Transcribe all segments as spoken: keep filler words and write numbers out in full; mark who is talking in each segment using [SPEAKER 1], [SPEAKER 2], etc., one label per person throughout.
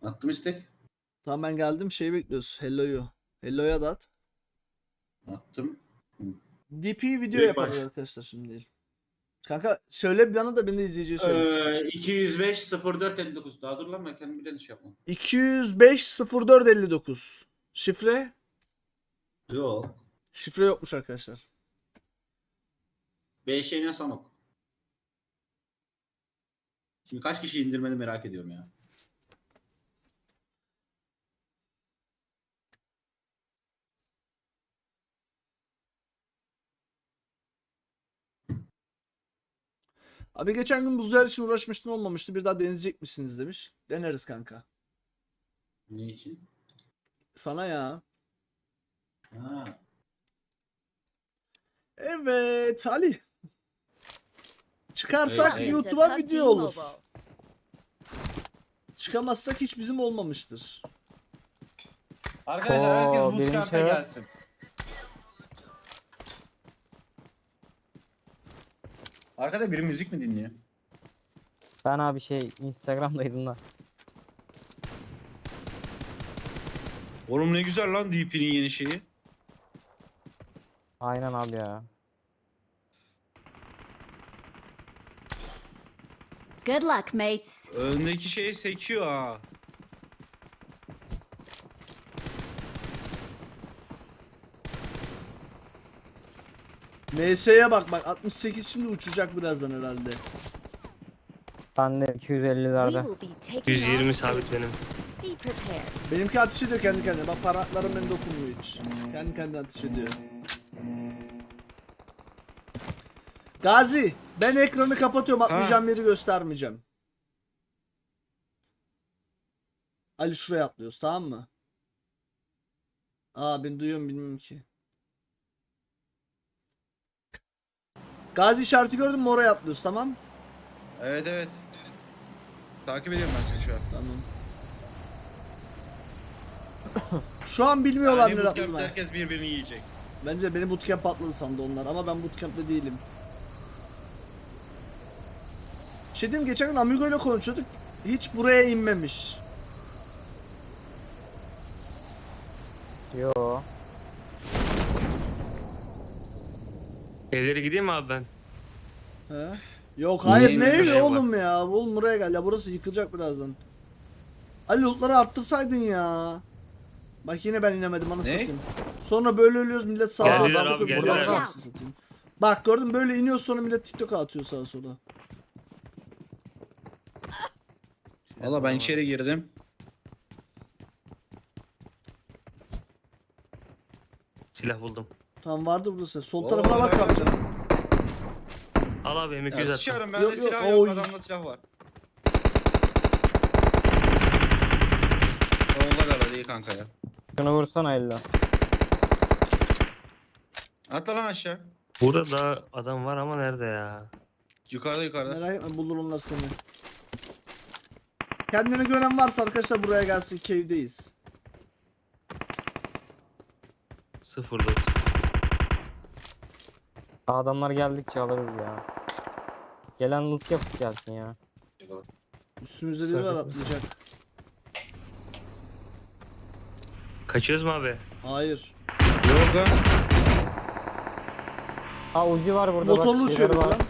[SPEAKER 1] Attım istek.
[SPEAKER 2] Tamam ben geldim. Şeyi bekliyoruz. Hello'yu. Hello'ya da at.
[SPEAKER 1] Attım.
[SPEAKER 2] D P video
[SPEAKER 1] Direkt
[SPEAKER 2] yaparız
[SPEAKER 1] baş.
[SPEAKER 2] arkadaşlar şimdi değil. Kanka söyle bir bana da ben de izleyiciye söyleyeyim.
[SPEAKER 1] Ee, iki yüz beş sıfır dört elli dokuz. Daha dur lan ben kendim bile şey yapmam.
[SPEAKER 2] iki yüz beş sıfır dört elli dokuz. Şifre?
[SPEAKER 1] Yok.
[SPEAKER 2] Şifre yokmuş arkadaşlar.
[SPEAKER 1] beş yeni Sanok. Şimdi kaç kişi indirmeni merak ediyorum ya.
[SPEAKER 2] Abi geçen gün buzlar için uğraşmıştın olmamıştı. Bir daha deneyecek misiniz demiş. Deneriz kanka.
[SPEAKER 1] Ne için?
[SPEAKER 2] Sana ya.
[SPEAKER 1] Ha.
[SPEAKER 2] Evet Ali. Çıkarsak
[SPEAKER 1] Evet, evet.
[SPEAKER 2] YouTube'a video olur. Çıkamazsak hiç bizim olmamıştır.
[SPEAKER 3] Arkadaşlar
[SPEAKER 4] Oo,
[SPEAKER 3] herkes
[SPEAKER 4] birinci
[SPEAKER 3] bootcamp'e
[SPEAKER 4] şahıs.
[SPEAKER 3] gelsin. Arkada biri müzik mi dinliyor?
[SPEAKER 4] Ben abi şey Instagram'daydım da.
[SPEAKER 3] Oğlum ne güzel lan D P'nin yeni şeyi.
[SPEAKER 4] Aynen abi ya.
[SPEAKER 5] Good luck, mates.
[SPEAKER 3] Öndeki şeyi sekiyor ha.
[SPEAKER 2] M S'ye bak bak altmış sekiz şimdi uçacak birazdan herhalde.
[SPEAKER 4] Ben de iki yüz
[SPEAKER 5] We
[SPEAKER 4] ellilerde.
[SPEAKER 5] will be taking
[SPEAKER 6] yüz yirmi
[SPEAKER 5] off
[SPEAKER 6] sabit
[SPEAKER 5] soon.
[SPEAKER 6] benim.
[SPEAKER 5] Be prepared.
[SPEAKER 2] Benimki ateş ediyor kendi kendine. Bak parmaklarım beni dokunmuyor hiç. Kendi kendine ateş ediyor. Gazi, ben ekranı kapatıyorum. Atlayacağım yeri göstermeyeceğim. Ali şuraya atlıyoruz, tamam mı? Aa ben duyuyorum bilmiyorum ki. Gazi işareti gördün mü, oraya atlıyoruz, tamam?
[SPEAKER 3] Evet evet. Takip ediyorum ben seni şu an.
[SPEAKER 2] Tamam. Şu an bilmiyorlar
[SPEAKER 3] Yani
[SPEAKER 2] nereye
[SPEAKER 3] bootcamp'te
[SPEAKER 2] atladığımı.
[SPEAKER 3] herkes birbirini yiyecek.
[SPEAKER 2] Bence beni bootcamp atladı sandı onlar ama ben bootcamp'te değilim. Şey diyeyim, geçen gün Amigo ile konuşuyorduk. Hiç buraya inmemiş.
[SPEAKER 4] Yo.
[SPEAKER 6] Evlere gideyim mi abi ben?
[SPEAKER 2] He? Yok hayır,
[SPEAKER 1] Niye
[SPEAKER 2] ne
[SPEAKER 1] inmemiş
[SPEAKER 2] evi
[SPEAKER 6] acaba?
[SPEAKER 2] oğlum ya. Oğlum buraya gel ya, burası yıkılacak birazdan. Ali lootları arttırsaydın ya. Bak yine ben inemedim, anasını
[SPEAKER 3] Ne?
[SPEAKER 2] satayım. Sonra böyle ölüyoruz, millet sağa sola
[SPEAKER 6] Geldiler
[SPEAKER 2] TikTok
[SPEAKER 6] abi,
[SPEAKER 2] atıyor.
[SPEAKER 6] geldiler.
[SPEAKER 2] Anasını satayım. Bak gördün mü, böyle iniyor sonra millet TikTok atıyor sağa sola.
[SPEAKER 3] Valla ben içeri girdim.
[SPEAKER 6] Silah buldum.
[SPEAKER 2] Tam vardı burası. Sol
[SPEAKER 3] Oo,
[SPEAKER 2] tarafına bak
[SPEAKER 3] evet.
[SPEAKER 2] abi.
[SPEAKER 6] Al abi M iki yüz
[SPEAKER 3] Ya
[SPEAKER 6] at.
[SPEAKER 3] sıçıyorum bende
[SPEAKER 2] Yok, yok,
[SPEAKER 3] silah yok,
[SPEAKER 2] oy.
[SPEAKER 3] adamda silah var. Solda galiba değil kanka ya.
[SPEAKER 4] Şunu vursana elle.
[SPEAKER 3] Atla lan aşağı.
[SPEAKER 6] Burada da adam var ama nerede ya?
[SPEAKER 3] Yukarıda yukarıda.
[SPEAKER 2] Merak etme, bulur onlar seni. Kendine güvenen varsa arkadaşlar buraya gelsin, cave'deyiz.
[SPEAKER 6] Sıfır dört.
[SPEAKER 4] Adamlar geldikçe alırız ya. Gelen loot yapıp gelsin ya.
[SPEAKER 2] Üstümüzde biri var, atlayacak.
[SPEAKER 6] Kaçıyoruz mu abi?
[SPEAKER 2] Hayır.
[SPEAKER 3] Yok lan.
[SPEAKER 4] Ha Uzi var burada
[SPEAKER 2] Motorlu
[SPEAKER 4] bak.
[SPEAKER 2] uçuyor
[SPEAKER 4] şeyleri
[SPEAKER 2] lan.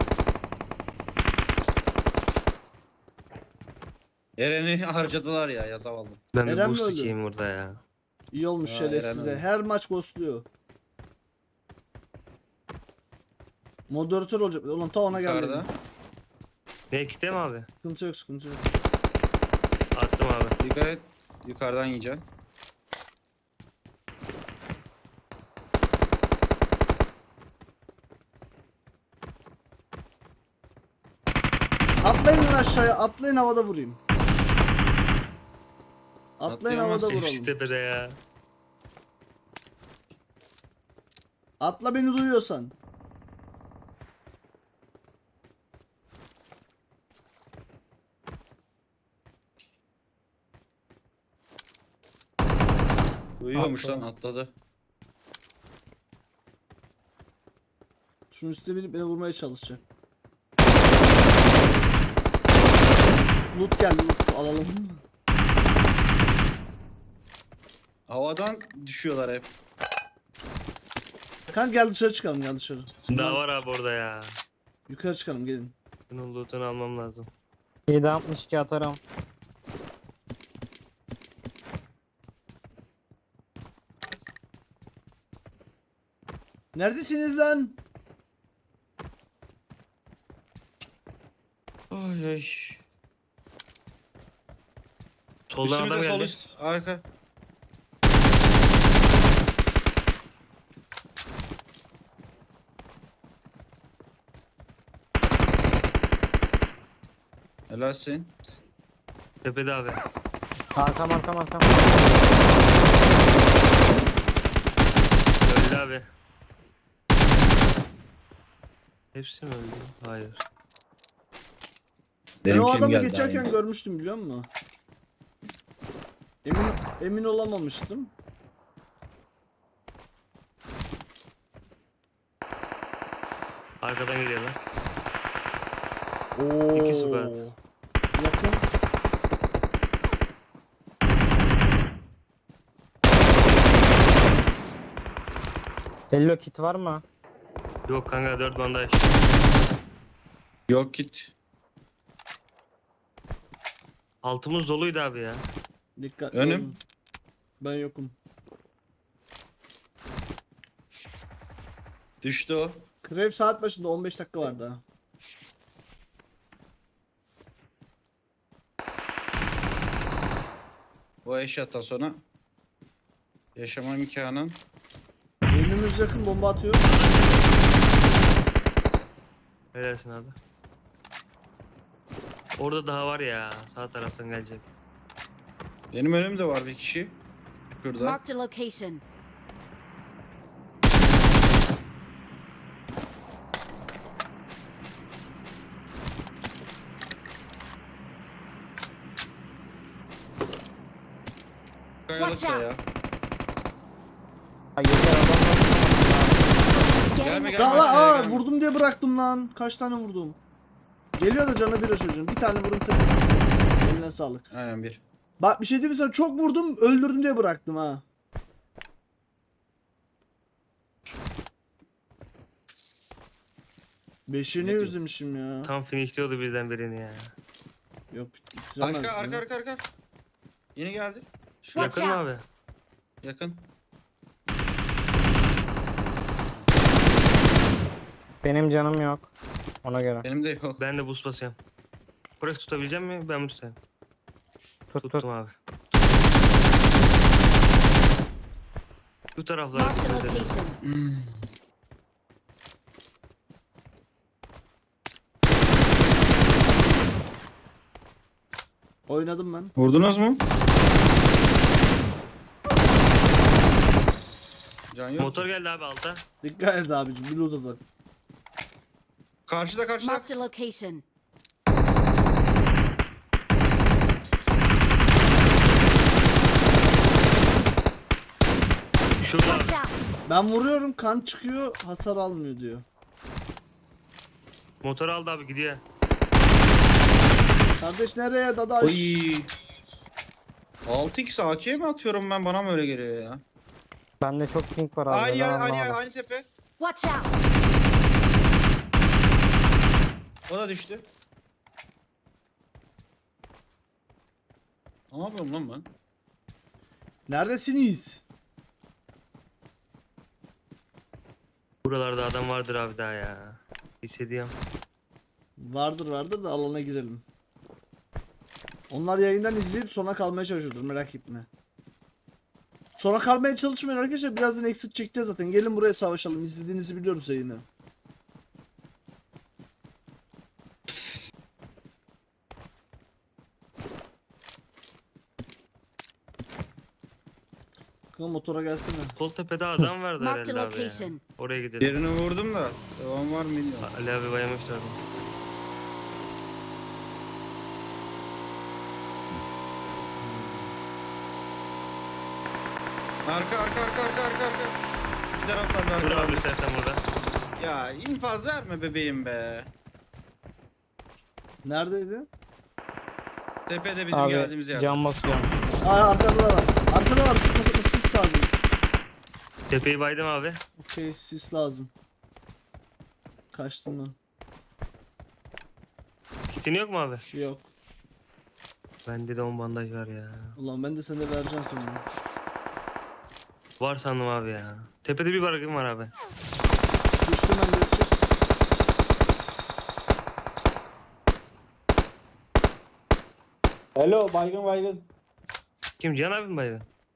[SPEAKER 3] Eren'i harcadılar ya, yazavaldım.
[SPEAKER 6] Ben
[SPEAKER 2] Eren
[SPEAKER 6] bir
[SPEAKER 2] mi
[SPEAKER 6] boost
[SPEAKER 2] öldü?
[SPEAKER 6] sikeyim burada ya.
[SPEAKER 2] İyi olmuş
[SPEAKER 3] Ha,
[SPEAKER 2] şöyle
[SPEAKER 3] Eren
[SPEAKER 2] size.
[SPEAKER 3] öyle.
[SPEAKER 2] Her maç ghostluyor. Moderatör olacak. Ulan ta ona geldi.
[SPEAKER 3] Yukarıda.
[SPEAKER 6] Ne kite mi abi?
[SPEAKER 2] Sıkıntı yok, sıkıntı yok.
[SPEAKER 6] Attım abi.
[SPEAKER 3] Dikkat et. Yukarıdan yiyeceksin.
[SPEAKER 2] Atlayın lan aşağıya. Atlayın, havada vurayım. Atlayın, havada
[SPEAKER 3] Atlayamazsın.
[SPEAKER 2] vuralım.
[SPEAKER 6] Hepsi tepede ya.
[SPEAKER 2] Atla beni duyuyorsan.
[SPEAKER 3] Duyuyormuş
[SPEAKER 4] Atla.
[SPEAKER 3] lan, atladı.
[SPEAKER 2] Şunun üstüne binip beni vurmaya çalışacak. Loot geldi, loot alalım.
[SPEAKER 3] Havadan düşüyorlar hep.
[SPEAKER 2] Kanka gel dışarı çıkalım, gel dışarı.
[SPEAKER 6] Daha var abi orada ya.
[SPEAKER 2] Yukarı çıkalım, gelin.
[SPEAKER 6] Bunun lootunu almam lazım.
[SPEAKER 4] yedi altmış iki atarım.
[SPEAKER 2] Neredesiniz lan?
[SPEAKER 3] Ay ay.
[SPEAKER 6] Soldan adam
[SPEAKER 3] Üstümüzde sol
[SPEAKER 6] geldi.
[SPEAKER 3] üst. Arka. Helalsin.
[SPEAKER 6] Tepede abi.
[SPEAKER 4] Arkam arkam arkam.
[SPEAKER 6] Öldü abi. Hepsi mi öldü? Hayır.
[SPEAKER 2] Ben o adamı geçerken görmüştüm, biliyor musun? Emin emin olamamıştım.
[SPEAKER 6] Arkadan geliyorlar.
[SPEAKER 2] Oo.
[SPEAKER 6] İki squad.
[SPEAKER 2] Yakın.
[SPEAKER 4] Hello kit var mı?
[SPEAKER 6] Yok kanka dört bandaj.
[SPEAKER 3] Yok git.
[SPEAKER 6] Altımız doluydu abi ya.
[SPEAKER 2] Dikkat.
[SPEAKER 3] Önüm.
[SPEAKER 2] olun. Ben yokum.
[SPEAKER 3] Düştü o.
[SPEAKER 2] Krev saat başında on beş dakika var daha.
[SPEAKER 3] O eşyattan sonra yaşama imkanın.
[SPEAKER 2] Önümüz yakın, bomba atıyor.
[SPEAKER 6] Helalsin abi. Orada daha var ya. Sağ taraftan gelecek.
[SPEAKER 3] Benim önümde var bir kişi. Şurada.
[SPEAKER 5] Marked a location.
[SPEAKER 3] Kayalıkta ya.
[SPEAKER 4] Ha yeter adam var.
[SPEAKER 5] Get in
[SPEAKER 3] Gelme,
[SPEAKER 5] the
[SPEAKER 3] gelme.
[SPEAKER 2] Aa,
[SPEAKER 3] aşağıya
[SPEAKER 2] aa
[SPEAKER 3] gelme.
[SPEAKER 2] vurdum diye bıraktım lan. Kaç tane vurdum? Geliyor da canı bir o çocuğun. Bir tane vurdum tek. Eline sağlık.
[SPEAKER 3] Aynen bir.
[SPEAKER 2] Bak bir şey diyeyim mi sana, çok vurdum, öldürdüm diye bıraktım ha. Beşini
[SPEAKER 3] Ne diyor?
[SPEAKER 2] özlemişim ya.
[SPEAKER 6] Tam finishliyordu birden birini ya.
[SPEAKER 2] Yok bitiremez
[SPEAKER 3] Arka
[SPEAKER 2] ya.
[SPEAKER 3] arka arka arka. Yeni geldi. Şu
[SPEAKER 5] Watch
[SPEAKER 6] Yakın mı
[SPEAKER 5] out.
[SPEAKER 6] abi?
[SPEAKER 3] yakın.
[SPEAKER 4] Benim canım yok. Ona göre.
[SPEAKER 3] Benim de yok.
[SPEAKER 6] Ben de boost basıyorum. Burası tutabilecek mi? Ben mi tutayım?
[SPEAKER 4] Tut tut.
[SPEAKER 6] Tuttum abi. Bu taraflara
[SPEAKER 5] Marked a
[SPEAKER 6] dikkat edin.
[SPEAKER 5] location.
[SPEAKER 3] Hmm.
[SPEAKER 2] Oynadım ben.
[SPEAKER 3] Vurdunuz mu? Can yok.
[SPEAKER 6] Motor geldi abi alta.
[SPEAKER 2] Dikkat et abicim, bir odadan.
[SPEAKER 3] Karşıda karşıda.
[SPEAKER 5] Marked a location.
[SPEAKER 6] Şurada abi.
[SPEAKER 5] Watch out.
[SPEAKER 2] Ben vuruyorum, kan çıkıyor, hasar almıyor diyor.
[SPEAKER 6] Motor aldı abi gidiyor.
[SPEAKER 2] Kardeş nereye dadaş?
[SPEAKER 3] Oy. altı x A K mi atıyorum ben, bana mı öyle geliyor ya?
[SPEAKER 4] Bende çok ping var abi.
[SPEAKER 3] Aynı yer,
[SPEAKER 4] devam
[SPEAKER 3] aynı yer,
[SPEAKER 4] abi.
[SPEAKER 3] aynı tepe.
[SPEAKER 5] Watch out.
[SPEAKER 3] O da düştü. Ne yapıyorum lan ben?
[SPEAKER 2] Neredesiniz?
[SPEAKER 6] Buralarda adam vardır abi daha ya. Hissediyorum.
[SPEAKER 2] Vardır vardır da alana girelim. Onlar yayından izleyip sona kalmaya çalışıyordur, merak etme. Sona kalmaya çalışmayın arkadaşlar, birazdan exit çekeceğiz zaten. Gelin buraya savaşalım, izlediğinizi biliyoruz yayını. Kanka motora gelsene.
[SPEAKER 6] Sol tepede adam vardı
[SPEAKER 5] Marked
[SPEAKER 6] herhalde
[SPEAKER 5] a
[SPEAKER 6] abi ya.
[SPEAKER 5] location.
[SPEAKER 6] Oraya gidelim.
[SPEAKER 3] Yerini vurdum da devam var mı bilmiyorum.
[SPEAKER 6] Ali abi bayamışlar.
[SPEAKER 3] Arka arka arka arka arka arka. İki taraflarda
[SPEAKER 6] Dur
[SPEAKER 3] arka.
[SPEAKER 6] abi istersen burada.
[SPEAKER 3] Ya infaz verme bebeğim be.
[SPEAKER 2] Neredeydi?
[SPEAKER 3] Tepede bizim
[SPEAKER 4] Abi
[SPEAKER 3] geldiğimiz yer.
[SPEAKER 4] can basıyorum.
[SPEAKER 2] Aa arkada da var. Arkada var. Sıkı sıkı sis. sis lazım.
[SPEAKER 6] Tepeyi baydım abi.
[SPEAKER 2] Okey, sis lazım. Kaçtım ben.
[SPEAKER 6] Kitin yok mu abi?
[SPEAKER 2] Yok.
[SPEAKER 6] Bende de on bandaj var ya.
[SPEAKER 2] Ulan ben de sana vereceğim sanırım.
[SPEAKER 6] Var sandım abi ya. Tepede bir barakım var abi.
[SPEAKER 2] Düştüm ben de düştüm.
[SPEAKER 7] Hello, baygın baygın.
[SPEAKER 6] Kim, Cihan abi mi baydı?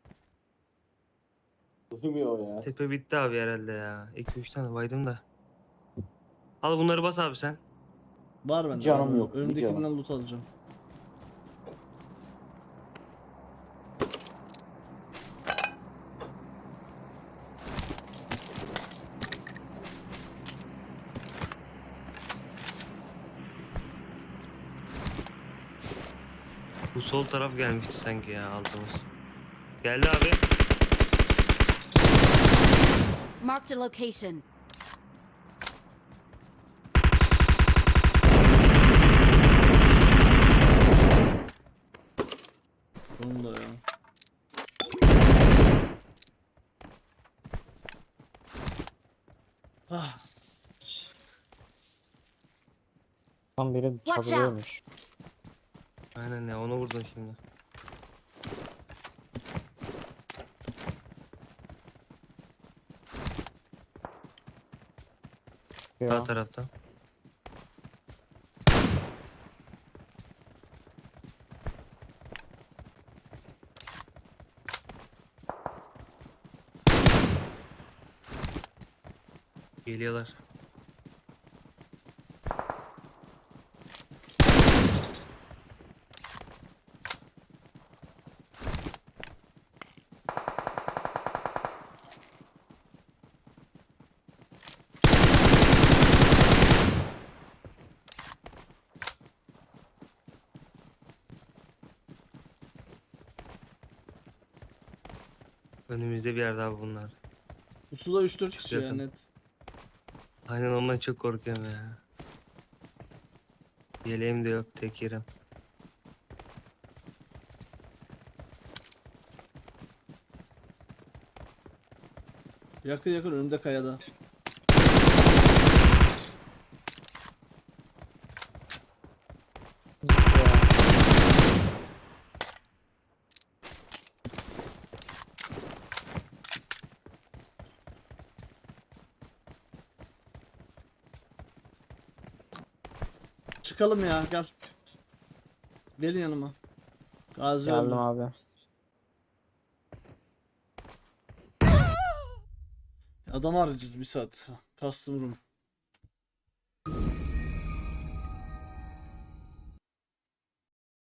[SPEAKER 7] Duymuyor ya.
[SPEAKER 6] Tepe bitti abi herhalde ya. iki üç tane baydım da. Al bunları bas abi sen.
[SPEAKER 2] Var bende.
[SPEAKER 7] Canım
[SPEAKER 2] var.
[SPEAKER 7] yok, bir
[SPEAKER 2] Önümdekinden
[SPEAKER 7] canım.
[SPEAKER 2] loot alacağım.
[SPEAKER 6] Bu sol taraf gelmişti sanki ya aldığımız. Geldi abi.
[SPEAKER 5] Marked a location.
[SPEAKER 2] Sonunda ya. Ah,
[SPEAKER 4] Tam biri
[SPEAKER 5] Watch out.
[SPEAKER 4] çadırıyormuş.
[SPEAKER 6] Aynen ya, onu vurdum şimdi. Sağ
[SPEAKER 4] Ya.
[SPEAKER 6] taraftan. Geliyorlar. Önümüzde bir yerde abi bunlar.
[SPEAKER 2] bu suda üç dört kişi ya
[SPEAKER 6] Yakın.
[SPEAKER 2] net.
[SPEAKER 6] Aynen, ondan çok korkuyorum ya. Yeleğim de yok, tek yerim.
[SPEAKER 2] Yakın yakın önümde kayada. Çıkalım ya gel. Gelin yanıma. Gazi öldü.
[SPEAKER 4] Geldim abi.
[SPEAKER 2] Adam arayacağız bir saat. Custom room.